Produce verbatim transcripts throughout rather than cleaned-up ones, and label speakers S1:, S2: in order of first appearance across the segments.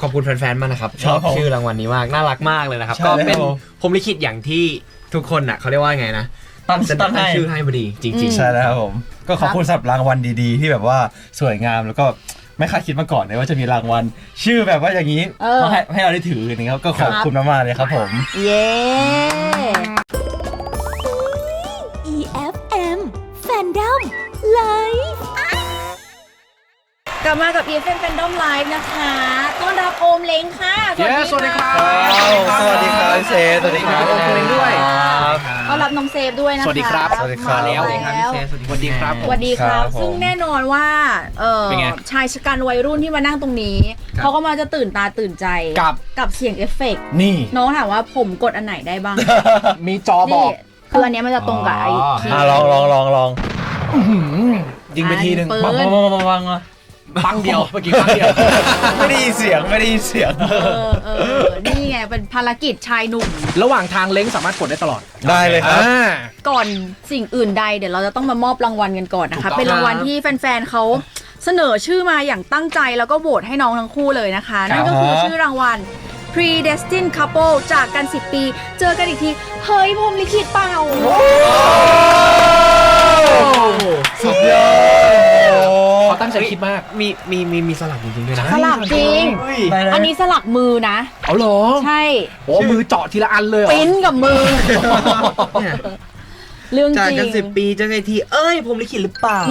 S1: อบคุณแฟนๆมากนะครับชอบชื่อรางวัลนี้มากน่ารักมากเลยนะครับก็เป็นผมลิขิตอย่างที่ทุกคนน่ะเขาเรียกว่าไงนะตั้งตั้งชื่อให้พอดีจริงๆ
S2: ใช่แล้วครับผมก็ขอบคุณสำหรับรางวัลดีๆที่แบบว่าสวยงามแล้วก็ไม่คาดคิดมาก่อนเลยว่าจะมีรางวัลชื่อแบบว่าอย่างนี้ให้ให้เราได้ถือนะครับก็ขอบคุณมากๆเลยครับผม
S3: เย้
S4: อี เอฟ เอ็ม Fandom Live
S3: กลับมากับ อี เอฟ เอ็ม Fandom Live นะคะต้อนรับโอมเล้งค่ะ
S5: สวัสดีครับ
S2: สวัสดีครับเซฟสวัสดีครับโอมเล้งด้วย
S3: ต้อนรับน้องเซฟด้วยนะคะ
S5: สวัสดีครับ
S2: สวัสดีครับ
S5: แล้วสวัสดีครับสวัสดีครับ
S3: สวัสดีครับซึ่งแน่นอนว่าเออชายชะกันวัยรุ่นที่มานั่งตรงนี้เขาก็มาจะตื่นตาตื่นใจ
S5: กับ
S3: กับเสียงเอฟเฟกต์
S2: นี่
S3: น้องถามว่าผมกดอันไหนได้บ้าง
S5: มีจอบอก
S3: คืออันนี้มันจะตรงกับไอ้ที่
S2: ลองลองลองลอง
S5: ยิงไปทีนึง
S2: บังบังบังบัง
S5: ปังเดียวเมื่อกี้ปังเดียว
S2: ไม่ได้ยินเสียงไม่ได้ยินเสียง
S3: เออเออนี่ไงเป็นภารกิจชายหนุ่ม
S5: ระหว่างทางเล้งสามารถกดได้ตลอด
S2: ได้เลยครับ
S3: ก่อนสิ่งอื่นใดเดี๋ยวเราจะต้องมามอบรางวัลกันก่อนนะคะเป็นรางวัลที่แฟนๆเขาเสนอชื่อมาอย่างตั้งใจแล้วก็โหวตให้น้องทั้งคู่เลยนะคะนั่นก็คือชื่อรางวัล Predestined Couple จากกันสิบปีเจอกันอีกทีเฮ้ยพรหมลิขิตเปล่า
S2: สุดยอด
S5: เขาตั้งใจคิดมาก
S1: มีมีมีมีสลักจริงๆด้วยนะ
S3: สลักจริงอันนี้สลักมือนะ
S5: เอาเหรอ
S3: ใช่
S5: โอ้มือเจาะทีละอันเลยเหรอ
S3: ปิ้นกับมือเรื่องจริง
S1: จากกันสิบปีเจอกันทีเอ้ยผมลิขิตหรือเปล่า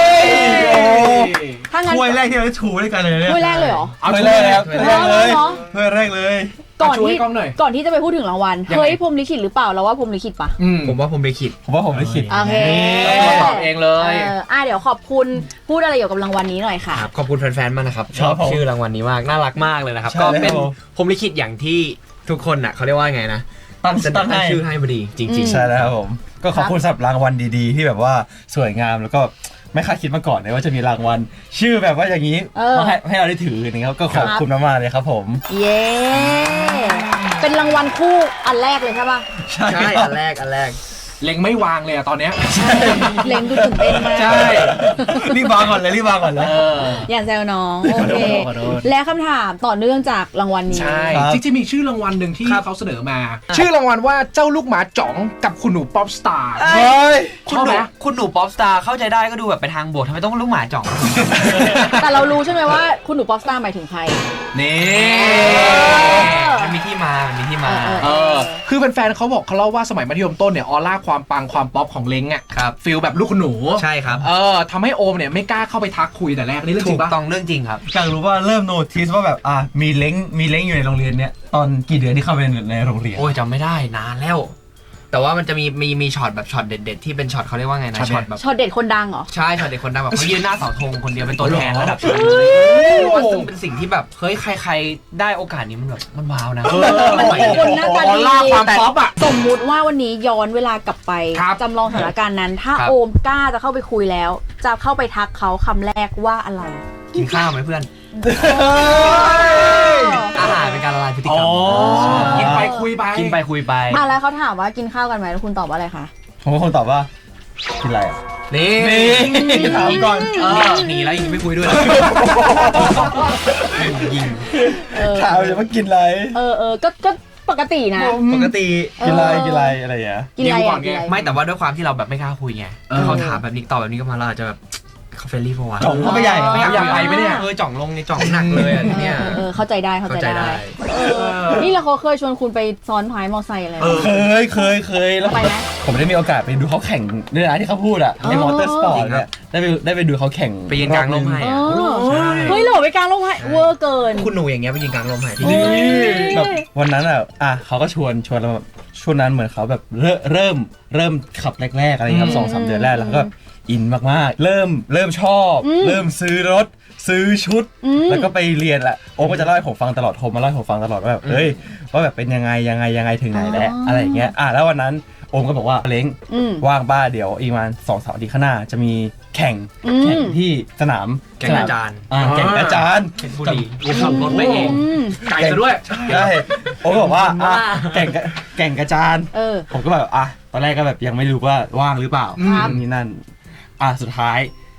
S3: ถ้างั้น
S2: ถ้วยแรกที่เราชูด้วยกันเลยเนี่ย
S3: ถ้วยแรกเลยเหรอ
S2: เอาถ้วยแรกแล้วถ้วยแรกเลยถ้วยแรกเลย
S3: ก่อนที่ก่อนที่จะไปพูดถึงรางวัลเฮ้ยพรหมลิขิตหรือเปล่าเราว่าพรหมลิขิตปะ
S1: ผมว่าผมลิขิต
S2: ผมว่าผมลิขิต
S3: โอเค
S5: ตอบเองเลย
S3: อ่ะเดี๋ยวขอบคุณพูดอะไรเกี่ยวกับรางวัลนี้หน่อยค่ะ
S1: ขอบคุณแฟนๆมากนะครับชอบชื่อรางวัลนี้มากน่ารักมากเลยนะครับก็เป็นผมลิขิตอย่างที่ทุกคนน่ะเขาเรียกว่าไงนะตั้งตั้งชื่อให้พอดีจริงๆ
S2: ใช่แล้วครับผมก็ขอบคุณสำหรับรางวัลดีๆที่แบบว่าสวยงามแล้วก็ไม่คาดคิดมาก่อนเลยว่าจะมีรางวัลชื่อแบบว่าอย่างนี้ให้ให้เราได้ถือนะครับก็ขอบคุณมากๆเลยครับผม
S3: เย้เป็นรางวัลคู่อันแรกเลยใช่ป่ะ
S1: ใช่อันแรกอันแรก
S5: เล็งไม่วางเลยอะตอนเนี้ย
S3: เล็งดูตื่นเต้นมาก
S5: ใช่
S2: รีบวางก่อนเลยรีบวางก่อนเลย
S3: อย่าแซวน้องโอเคและคำถามต่อเนื่องจากรางวัลนี้
S5: ใช่จริงๆมีชื่อรางวัลหนึ่งที่เขาเสนอมาชื่อรางวัลว่าเจ้าลูกหมาจ๋องกับคุณหนูป๊อปสตาร์
S2: เฮ้ย
S1: คุณหนูคุณหนูป๊อปสตาร์เข้าใจได้ก็ดูแบบไปทางบวกทำไมต้องลูกหมาจ๋อง
S3: แต่เรารู้ใช่ไหมว่าคุณหนูป๊อปสตาร์หมายถึงใคร
S1: นี่มันมีที่มามันมีที่มา
S5: เออคือแฟนๆเขาบอกเขาเล่าว่าสมัยมัธยมต้นเนี่ยออร่าความปังความป๊อปของเล้งอ่ะฟีลแบบลูกคุณหนู
S1: ใช่ครับ
S5: เออทำให้โอมเนี่ยไม่กล้าเข้าไปทักคุยแต่แรกนี่เรื่องจริงปะ
S1: ถูกต้องเรื่องจริงครับ
S2: อยากรู้ว่าเริ่มโน้ติสว่าแบบอ่ะมีเล้งมีเล้งอยู่ในโรงเรียนเนี้ยตอนกี่เดือนที่เข้าไปในโรงเรียน
S1: โอ้ยจำไม่ได้นานแล้วแต่ว่ามันจะมีมีมีช็อตแบบช็อตเด็ดๆที่เป็นช็อตเขาเรียกว่าไงนะช็อตแบบ
S3: ช็อตเด็ดคนดังเหรอ
S1: ใช่ช็อตเด็ดคนดังแบบเขายืนหน้าเสาธงคนเดียวเป็นตัวแทนระดับชาติซึ่งเป็นสิ่งที่แบบเฮ้ยใครๆได้โอกาสนี้มันแบบมันว้าวนะ
S3: มันมีคนหน้าตาดี
S5: ความป๊อปอะ
S3: สมมุติว่าวันนี้ย้อนเวลากลับไปจำลองสถานการณ์นั้นถ้าโอมกล้าจะเข้าไปคุยแล้วจะเข้าไปทักเขาคำแรกว่าอะไร
S1: กินข้าวไหมเพื่อนอาหารเป็นการละลายพฤติกรรม
S5: กินไปคุยไป
S1: กินไปคุยไป
S3: อ่ะแล้วเขาถามว่ากินข้าวกันไหมแล้วคุณตอบว่าอะไรคะ
S2: ผมก็คงตอบว่ากินอะไรอ่ะ
S1: นี่
S2: ถามก่อน
S1: หนีแล้วยิงไม่คุยด้วยยิง
S2: ถามเลยว่ากินอะไร
S3: เออเออก็ก็ปกตินะ
S1: ปกติ
S2: กินอะไรกินอะไรอะไรอย่างเงี้ย
S3: กินอะไรก่อนไง
S1: ไม่แต่ว่าด้วยความที่เราแบบไม่กล้าคุยไงเขาถามแบบนี้ตอบแบบนี้ก็มาเราอาจจะแบบเขาเฟรนลี่พอวะ
S2: จ่องเข้าไปใหญ่
S1: ไม่อยากไปไหมเนี่ยเออจ่องลงในจ่องหนักเลยอ่ะเนี่ย
S3: เออเข้าใจได้เข้าใจได้นี่เราเขาเคยชวนคุณไปซ้อนท้ายมอไซค์อะไร
S2: เคยเคยเคยแล้ว
S3: ไปไหม
S2: ผมได้มีโอกาสไปดูเขาแข่งเรื่องที่เขาพูดอ่ะในมอเตอร์สปอร์ตเนี่ยได้ไปได้ไปดูเขาแข่ง
S1: ไปยืนกลางลมให้
S3: เฮ้ยหล่อไปกลางลมให้เวอร์เกิน
S1: คุณหนูอย่างเงี้ยไปยืนกลางลมให้
S2: แบบวันนั้นอ่ะอ่ะเขาก็ชวนชวนเราช่วงนั้นเหมือนเขาแบบเริ่มเริ่มเริ่มขับแรกๆอะไรครับสองสามเดือนแรกแล้วก็อินมากๆเริ่มเริ่มชอบเริ่มซื้อรถซื้อชุดแล้วก็ไปเรียนแหละโอ้ก็จะเล่าให้ผมฟังตลอดโทรมาเล่าให้ผมฟังตลอดว่าแบบเฮ้ยว่าแบบเป็นยังไงยังไงยังไงถึงไหนแล้วอะไรอย่างเงี้ยอ่ะแล้ววันนั้นโอมก็บอกว่าเล้งว่างบ้าเดี๋ยวอีกวันสองสามอาทิตย์ข้างหน้าจะมีแข่งแข่งที่สนาม
S1: แข่งอาจารย์
S2: แข่งอาจารย์
S1: เป็นผู้ดีขับรถไปเอง
S5: ไก่ซะด้วย
S2: ใช่โอมบอกว่าแข่งแข่งอาจารย์ผมก็แบบอ่ะตอนแรกก็แบบยังไม่รู้ว่าว่างหรือเปล่านี่นั่นอ่ะสุดท้าย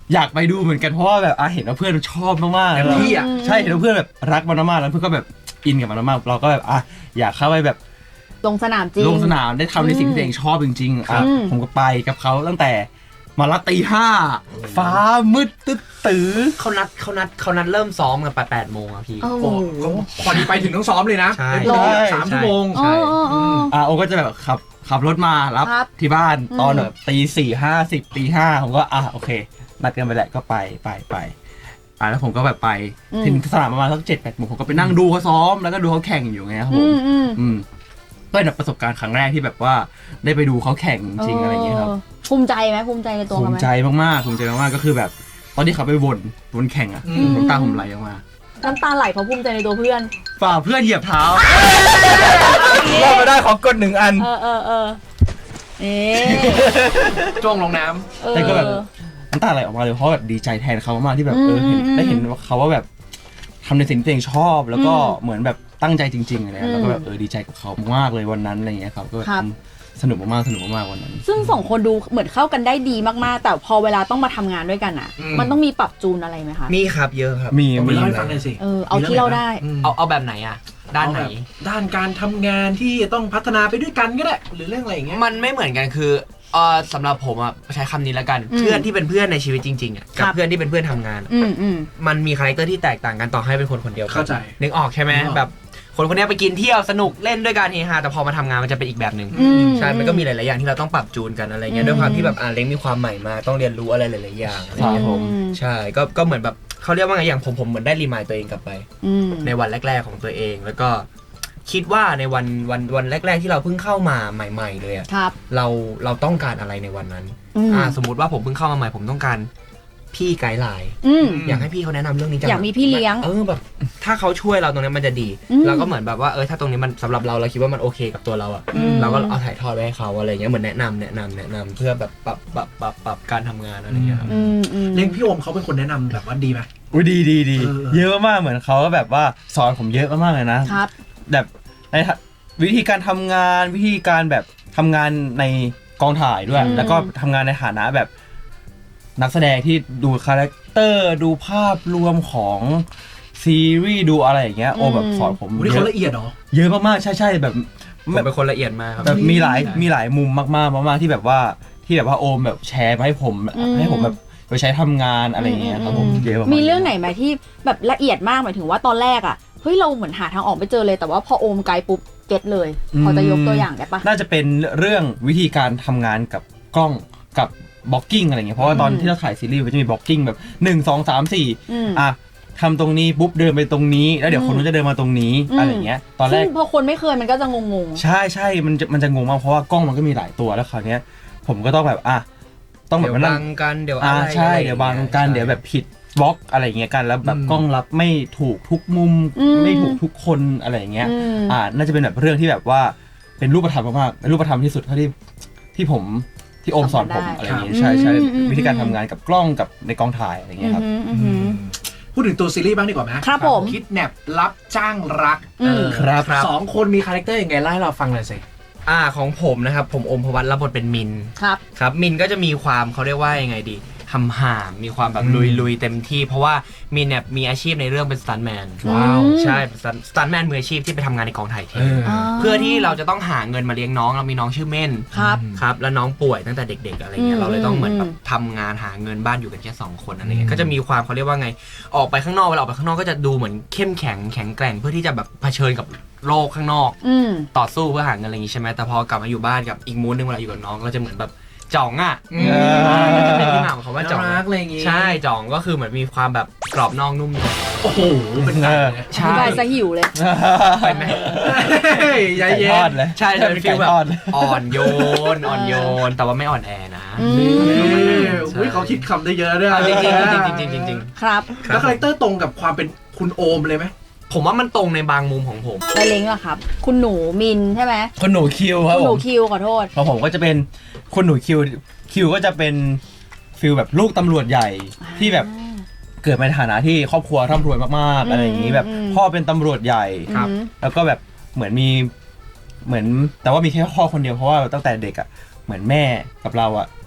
S2: อยากไปดูเหมือนกันเพราะว่าแบบอ่ะเห็นว่าเพื่อนชอบมากๆ
S5: เต็มที่อ่ะ
S2: ใช่เห็นว่าเพื่อนแบบรักมันมากๆแล้วเพื่อนก็แบบอินกับมันมากๆเราก็แบบอ่ะอยากเข้าไปแบบ
S3: ลงสนามจริง
S2: ลงสนามได้ทำในสิ่งที่ตัวเองชอบจริงๆอ่ะ
S3: อืม
S2: ผมก็ไปกับเขาตั้งแต่มาละตีห้าฟ้ามืดตึ๊ดตื้อ
S1: เขานัดเขานัดเขานัดเริ่มซ้อมกันไปแปดโมงอะพี่
S3: โอ้โห
S5: โอ้พอดีไปถึงต้องซ้อมเลยนะ
S1: ใช่
S5: ไปถึงแบบสามชั่วโมง
S3: อ๋ออ๋ออ๋อ
S2: อ่ะโอก็จะแบบขับขับรถมารับ
S3: ครับ
S2: ที่บ้าน
S3: อืม
S2: ตอนแบบตีสี่ห้าสิบตีห้าผมก็อ่ะโอเคนัดกันไปแหละก็ไปไปไปอ่ะแล้วผมก็แบบไปถึงสนามประมาณสักเจ็ดแปดโมงผมก็ไปนั่งดูเขาซ้อมแล้วก็ดูเขาแข่งอยู่ไงครับผ
S3: อื
S2: ม
S3: มอืม
S2: อืมก็เป็นแบบประสบการณ์ครั้งแรกที่แบบว่าได้ไปดูเขาแข่งจริงๆอะไรอย่างเงี้ยครับ
S3: เออภูมิใจไหมภูมิใจในตัว
S2: ภู
S3: เขาไห
S2: มิ
S3: ม
S2: ใจมากๆภูมิใจมากๆก็คือแบบตอนที่เขาไปวนวนแข่งอ่ะ
S5: อืม
S2: น้ำตาผมไหลออกมา
S3: น้ำตาไหลเพราะภูมิใจในตัวเพื่อน
S2: ฝ่าเพื่อนเหยียบเท้า รอดมาได้ขอกดหนึ่งอัน
S3: เออเออเออเอ๊ะ
S5: จ้วงลงน้
S3: เออ
S2: แต่ก็แบบ น้ำตาไหลออกมาเลยเพราะแบบดีใจแทนเขามากๆที่แบบเออเห็น
S3: อืม
S2: ได้เห็นว่าเขาว่าแบบทำในสิ่งที่ตัวเองชอบ แล้วก็
S3: อืม
S2: เหมือนแบบตั้งใจจริงๆอะไร
S3: อืม
S2: แล้วก็แบบเออดีใจกับเขามากเลยวันนั้นอะไรอย่างเงี้ยครับก็แบบ
S3: ครับ
S2: สนุกมากๆสนุกมากๆวันนั้น
S3: ซึ่งสองคนดูเหมือนเข้ากันได้ดีมากๆ แต่พอเวลาต้องมาทำงานด้วยกันอ่ะ มันต้องมีปรับจูนอะไรไหมคะ
S1: มีครับเยอะครับ
S2: มี
S5: ำผมไป
S2: มี
S5: เล่าให้ฟังหน่อยสิ
S3: เออเอาที่เราได้
S5: ม
S1: เอาเอาแบบไหนอะด้านไหน
S5: เอแบบด้านการทำงานที่ต้องพัฒนาไปด้วยกันก็ได้ หรือเรื่องอะไรอย่างเงี้ย
S1: มันไม่เหมือนกันคือเออสำหรับผมอะใช้คำนี้แล้วกัน
S3: อืม
S1: เพื่อนที่เป็นเพื่อนในชีวิตจริงๆอะ
S3: ครั
S1: กับบ เพื่อนที่เป็นเพื่อนทำงานอะ
S3: อืมอืม
S1: มันมีคาแรคเตอร์ที่แตกต่างกันต่อให้เป็นคนคนเดียวกัน
S5: เข้าใจ
S1: นึกออกใช่ไหม
S5: นึกออก
S1: แบบคนคนนี้ไปกินเที่ยวสนุกเล่นด้วยกันเฮฮาแต่พอมาทำงานมันจะเป็นอีกแบบหนึ่ง
S3: อืม
S1: ใช่มันก็มีหลายๆอย่างที่เราต้องปรับจูนกันอะไรเงี้
S3: อื
S1: ย
S3: ม
S1: ด้วยความที่แบบอ่าเล้งมีความใหม่มาต้องเรียนรู้อะไรหลายๆอย่างอะไร
S2: ครับ
S1: เงี้ย
S2: ผม
S3: อืม
S1: ใช่ก็ก็เหมือนแบบเขาเรียกว่าไงอย่างผมผมเหมือนได้รีมายตัวเองกลับไป
S3: อืม
S1: ในวันแรก ๆของตัวเอง แล้วก็คิดว่าในวันวันวันแรก ๆ ที่เราเพิ่งเข้ามาใหม่ ๆ เลยอะ
S3: ครับ
S1: เราเราต้องการอะไรในวันนั้น
S3: อืม
S1: อ่าสมมุติว่าผมเพิ่งเข้ามาใหม่ผมต้องการพี่ไกด์ไลน์
S3: อืม
S1: อยากให้พี่เขาแนะนำเรื่องนี้จัง
S3: อยากมีพี่เลี้ยง
S1: เออแบบถ้าเขาช่วยเราตรงนี้มันจะดี
S3: อืม
S1: เราก็เหมือนแบบว่าเออถ้าตรงนี้มันสำหรับเราเราคิดว่ามันโอเคกับตัวเราอะ
S3: อืม
S1: เราก็เอาถ่ายทอดไว้ให้เขาอะไรเงี้ยเหมือนแนะนำแนะนำแนะนำเพื่อแบบปรับปรับปรับปรับการทำงานอะไรเงี้ยครับ
S3: อืมอืม
S5: เล้งพี่โอมเขาเป็นคนแนะนำแบบว่าดีไหม
S2: อุ้ยดีดีดี
S5: เออ
S2: เยอะมากๆเหมือนเขาก็แบบว่าสอนผมเยอะมากๆเลยนะครับ แบบในวิธีการทำงานวิธีการแบบทำงานในกองถ่ายด้วย
S3: อืม
S2: แล้วก็ทำงานในฐานะแบบนักแสดงที่ดูคาแรคเตอร์ดูภาพรวมของซีรีส์ดูอะไรอย่างเงี้ยโอแบบสอนผม
S5: วันนี้
S2: เย
S5: เขา
S2: อะ
S5: ละเอียดเหรอ
S2: เยอะมากๆใช่ใช่แบบ
S1: ผมเป็นคนละเอียดมากครับ
S2: แบบมีหลาย
S1: ใช่
S2: มีหลายมุมมากๆมากๆที่แบบว่าที่แบบว่าโอมแบบแชร์มาให้ผม
S3: อืม
S2: ให้ผมแบบไปใช้ทำงานอะไรอย่างเงี้ยครับผม
S3: อืม
S2: เยอะมากๆ
S3: มีเรื่องไหนไหมที่แบบละเอียดมากหมายถึงว่าตอนแรกอ่ะเฮ้ยเราเหมือนหาทางออกไม่เจอเลย แต่ว่าพอโอมไกด์ปุ๊บเก็ตเลย พอจะยกตัวอย่างได้ปะ
S2: น่าจะเป็นเรื่องวิธีการทำงานกับกล้องกับบล็อกกิ้งอะไรเงี้ยเพราะว่าตอน
S3: อืม
S2: ที่เราถ่ายซีรีส์มันจะมีบล็อกกิ้งแบบหนึ่ง สอง สาม สี่
S3: อืม
S2: อ่ะทำตรงนี้ปุ๊บเดินไปตรงนี้แล้วเดี๋ยว
S3: อืม
S2: คนนู้นจะเดินมาตรงนี้
S3: อืม
S2: อะไรเงี้ยตอนแร
S3: ซึ่
S2: ก
S3: งพอคนไม่เคยมันก็จะงง
S2: ใช่ใช่มันจะมันจะงงมากเพราะว่ากล้องมันก็มีหลายตัวแล้วคราวเนี้ยผมก็ต้องแบบอ่ะต้องแบบ
S1: เดี๋ยว
S2: มานั่
S1: บั
S2: ง
S1: งกันเดี๋ยว
S2: อ่า
S1: อะไร
S2: ใช่
S1: อะไร
S2: เดี๋ยวบาง
S1: อางงี้
S2: กัน
S1: ใช่
S2: เดี๋ยวแบบผิดบล็อกอะไรอย่างเงี้ยกันแล้วแบบ
S5: อืม
S2: กล้องรับไม่ถูกทุกมุม
S3: อืม
S2: ไม่ถูกทุกคนอะไรอย่าง
S3: ๆ
S2: เงี้ย
S3: อืม
S2: อ่าน่าจะเป็นแบบเรื่องที่แบบว่าเป็นรูปธรรมมากๆเป็นรูปธรรมที่สุดเท่าที่ที่ผมที่โอมสอนผม
S3: ทำมาได้
S2: อะไรอย่างเงี้ย
S3: ครับ
S2: ใช่ใช่
S3: อืมอืม
S2: วิธีการทำงานกับกล้องกับในกองถ่ายอะไรอย่างเงี้ยครับ
S3: อืมอืมอืม
S5: พูดถึงตัวซีรีส์บ้างดีกว่าไหม
S3: ครับผม
S5: คิดแนบรับจ้างรัก
S3: อืม
S5: เออ
S2: ครับ
S5: สองคนมีคาแรคเตอร์ยังไงเล่าให้เราฟังหน่อยสิ
S1: อ่าของผมนะครับผมอมพวัตรับบทเป็นมิน
S3: ครับ
S1: ครับมินก็จะมีความเขาเรียกว่ายังไงดีหำหามมีความแบบ
S5: อืม
S1: ลุยลุยเต็มที่ เพราะว่ามินเนี่ยมีอาชีพในเรื่องเป็นสตันแมน
S3: ว้าว
S1: ใช่สตันแมนมืออาชีพที่ไปทำงานในกองถ่ายเท
S5: เออ
S1: เพื่อที่เราจะต้องหาเงินมาเลี้ยงน้องเรามีน้องชื่อเม่น
S3: ครับ
S1: ครับแล้วน้องป่วยตั้งแต่เด็ก ๆ อะไรเงี้
S3: อื
S1: ย
S3: ม
S1: เราเลยต้องเหมือนแบ
S3: อื
S1: บ
S3: ม
S1: ทำงานหาเงินบ้านอยู่กันแค่สองคนอะไรเงี้
S5: อื
S1: ย
S5: ม
S1: ก็จะมีความเขาเรียกว่าไงออกไปข้างนอกเวลาออกไปข้างนอกก็จะดูเหมือนเข้มแข็งแข็งแกร่งเพื่อที่จะแบบเผชิญกับโลกข้างนอก
S3: อืม
S1: ต่อสู้เพื่อหาเงินอะไรอย่างงี้ใช่ไหมแต่พอกลับมาอยู่บ้านกับอีกมูดนึงเวลาอยู่กับน้องก็จะเหมือนแบบจ่องอ่ะ
S5: อืม
S1: มันจะเป็นที่มาของคำว่าจ่อง
S5: น่ารักอะไรอย่างงี้
S1: ใช่จ่องก็คือเหมือนมีความแบบกรอบนอกนุ่มใน
S5: โอ้โห เป็นไงเนี่ย
S3: อธิบายซะหิวเลย
S1: ไปไหม
S5: เฮ้ยใจ
S2: ไก่
S5: เย็
S2: ทอด
S5: น
S2: เลย
S1: ใช่จะเป็นฟีลแบบ
S2: ไก่ทอดเลย
S1: อ่อนโยนอ่อนโยนแต่ว่าไม่อ่อนแอนะ
S3: อืม
S5: นี่อุ้ยเขาคิดคำได้เยอะด้วย
S1: เอาจริงๆจริงๆจริงๆจริงๆจริง
S3: ครับ
S1: ๆ
S5: แล้วคาแรคเตอร์ตรงกับความเป็นคุณโอมเลยไหม
S1: ผมว่ามันตรงในบางมุมของผม
S3: ไปเล้งเหรอครับ คุณหนูมินใช่ไหม
S2: คนหนูคิวครับ
S3: คุณห
S2: ผ
S3: นู
S2: ม
S3: คิวขอโทษ
S2: ของผมก็จะเป็นคนหนูคิวคิวก็จะเป็นฟิลแบบลูกตำรวจใหญ่ที่แบบเกิดมาในฐานะที่ครอบครัวร่ำรวยมากๆอะไรอย่างนี้แบบ
S3: อืม
S2: พ่อเป็นตำรวจใหญ่
S1: ครับ
S3: อืม
S2: แล้วก็แบบเหมือนมีเหมือนแต่ว่ามีแค่พ่อคนเดียวเพราะว่าตั้งแต่เด็กอ่ะเหมือนแม่กับเราอ่ะ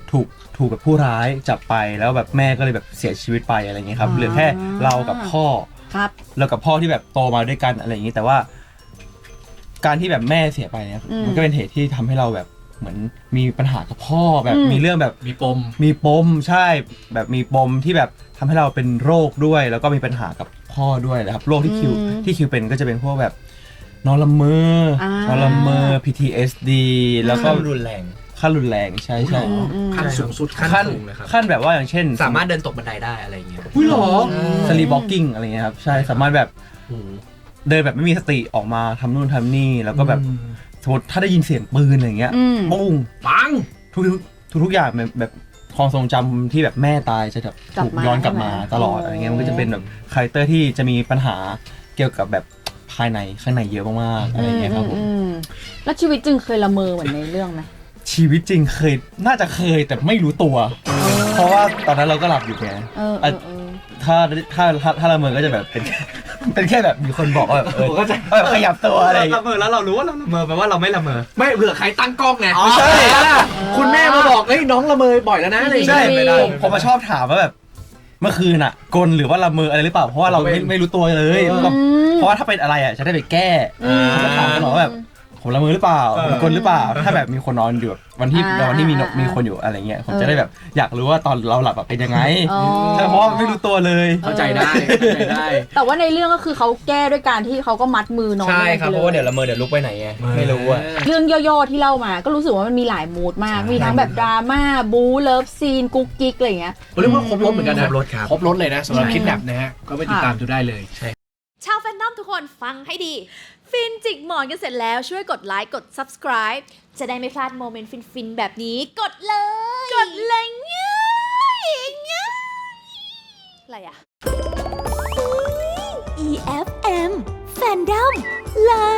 S2: ถูกถูกแบบผู้ร้ายจับไปแล้วแบบแม่ก็เลยแบบเสียชีวิตไปอะไรอย่างเงี้ยครับ
S3: อ่า
S2: เหลือแค่เรากับพ่อ
S3: ครับ
S2: เรากับพ่อที่แบบโตมาด้วยกันอะไรอย่างงี้แต่ว่า การที่แบบแม่เสียไปเนี่ย
S3: อืม
S2: มันก็เป็นเหตุที่ทำให้เราแบบเหมือนมีปัญหากับพ่อแบบ
S3: อืม
S2: มีเรื่องแบบ
S5: มีปม
S2: มีปมใช่แบบมีปมที่แบบทำให้เราเป็นโรคด้วย แล้วก็มีปัญหากับพ่อด้วยนะครับโรคที่คิว
S3: อืม
S2: ที่คิวเป็นก็จะเป็นพวกแบบนอนละเมออา นอนละเมอ พี ที เอส ดี แล้วก็
S1: ก็รุนแรง
S2: ขั้นรุนแรงใช่ใช่
S3: อืมอืม
S5: ขั้นสูงสุด
S1: ขั้น
S2: ขั้น
S1: สูงเลยครับ
S2: ขั้นแบบว่าอย่างเช่น
S1: สามารถเดินตกบันไดได้อะไรอย่างเงี้ย
S5: อุ้ยเหรอ
S2: สลีป walking อะไรเงี้ยครับใช่สามารถแบบ
S1: โอ้โห
S2: เดินแบบไม่มีสติออกมาทำนู่นทำนี่แล้วก็แบบสมมติถ้าได้ยินเสียงปืนอะไรเงี้ย
S3: อืม
S2: ปุ้ง
S5: ปัง
S2: ทุกทุกทุกอย่างแบบแบบความทรงจำที่แบบแม่ตายจะแบบ
S3: กลับ
S2: ถูก
S3: มา
S2: ย้อนกลับมา
S3: ใช่ไหม
S2: ตลอด
S3: อ๋ออ
S2: อะไรเงี้ยมันก็จะเป็นแบบคาแรคเตอร์ที่จะมีปัญหาเกี่ยวกับแบบภายในข้างในเยอะมากๆอะไรเงี้ยครับผม
S3: อืมแล้วชีวิตจริงเคยละเมอเหมือนในเรื่องไหม
S2: ชีวิตจริงเคยน่าจะเคยแต่ไม่รู้ตัว เพราะว่าตอนนั้นเราก็หลับอยู่ไง
S3: เออเออเออ
S2: ถ้าถ้าถ้าถ้าละเมอก็จะแบบเป็น เป็นแค่แบบมีคนบอกว่าแบบเออ
S5: ผมเข้าใจ
S2: แบบขยับตัวอะไรอย่าง
S1: ละ
S2: เงี้ย
S1: เมอแล้วเรารู้ว่าเราละเมอแปลว่าเราไม่ละเมอ
S5: ไม่เผื่อใครตั้งกล้องไง
S2: อ๋อใช่
S5: คุณแม่มาบอกเฮ้ยน้องละเมอบ่อยแล้วนะอะไรอย่าง
S2: ใช่
S5: เงี้ย
S3: ไม่ได้
S2: ผมผมมาชอบถามว่าแบบเมื่อคืนอ่ะกลหรือว่าละเมออะไรหรือเปล่าเพราะว่าเราไม่ไม่รู้ตัวเลย
S5: เออ
S2: ก็เพราะว่าถ้าเป็นอะไรอ่ะจะได้ไปแก้
S3: อืม
S2: ผมก็ถามตลอดว่าแบบผมละเมอหรือเปล่าผมกลหรือเปล่า ถ้าแบบมีคนนอนอยู่แบบวันที่
S3: อ่า
S2: วันที่มีนก
S3: อ่ามี
S2: มีคนอยู่อะไรเงี้ยผม
S3: เออ
S2: จะได้แบบอยากรู้ว่าตอนเราหลับแบบเป็นยังไง
S3: อ๋อ
S2: ใช่เพราะว่าไม่รู้ตัวเลย
S5: เข้าใจได้เข้าใจได้
S3: แต่ว่าในเรื่องก็คือเขาแก้ด้วยการที่เขาก็มัดมือนอน
S1: ใช่
S3: ไว้
S1: ครับ
S3: ไป
S1: เพ
S3: ล
S1: ราะว่าเดี๋ยวละเมอเดี๋ยวลุกไปไหนไงไม่รู้อะ
S3: เรื่องย่อๆที่เล่ามาก็รู้สึกว่ามันมีหลายมูดมาก
S5: ใช่
S3: มีทั้งแบบดราม่าบู๊เลิฟซีนกุ๊กกิ๊กอะไรอย่างเงี้ย
S5: ผมเรียกว่าครบรถเหมือนกัน
S1: คร
S5: นะ
S1: บรถครับ
S5: ครบรถเลยนะสำหรับ
S3: ใช่
S5: คิดแบบนะฮะก็ไปติดตามดูได้เลย
S4: ชาวแฟนดอมทุกคนฟังให้ดี ฟินจิกหมอนกันเสร็จแล้วช่วยกดไลค์กด subscribe จะได้ไม่พลาดโมเมนต์ฟินๆ แบบนี้กดเลย กดเลยง่ายง่ายอะไรอะ อี เอฟ เอ็ม Fandom Love